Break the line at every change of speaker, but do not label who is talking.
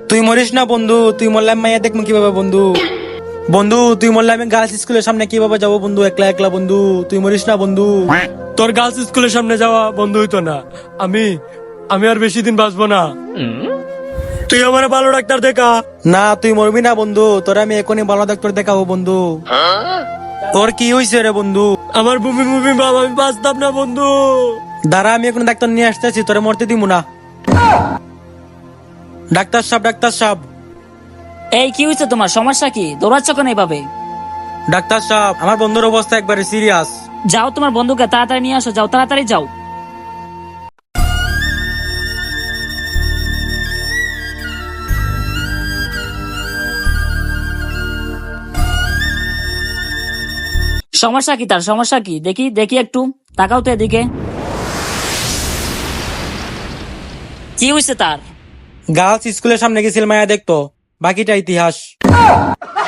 তুই মরিস না বন্ধু, তুই মরলে আমি মাইয়া দেখবো কিভাবে বন্ধু? বন্ধু তুই মরলে আমি গার্লস স্কুলের সামনে কিভাবে যাবো বন্ধু, একলা একলা বন্ধু? তুই মরিস না বন্ধু।
তোর গার্লস স্কুলের সামনে যাওয়া বন্ধ হইতো না। আমি আমি আর বেশি দিন বাঁচবো না। তুই আমার ভালো ডাক্তার দেখা।
না তুই মরবি না বন্ধু, তোর আমি এখনই ভালো ডাক্তার দেখাবো বন্ধু। তোর কি হয়েছে রে বন্ধু?
আমার বমি বমি ভাব, আমি বাঁচতাম না বন্ধু।
দাঁড়া আমি এখন ডাক্তার নিয়ে আসতেছি, তোরে মরতে দিব না। ডাক্তার সাহেব, ডাক্তার সাহেব,
এই কি হয়েছে তোমার? সমস্যা কি? দৌড়াচ্ছ কেন এইভাবে?
ডাক্তার সাহেব, আমার বন্ধুর অবস্থা একবারে সিরিয়াস।
যাও তোমার বন্ধুকে তাড়াতাড়ি নিয়ে আসো, যাও তাড়াতাড়ি যাও। সমস্যা কি তার? সমস্যা কি? দেখি দেখি একটু তাকাও তো এদিকে। কি হয়েছে তার?
গার্লস স্কুলের সামনে গেছিল মায়া দেখতো, বাকিটা ইতিহাস।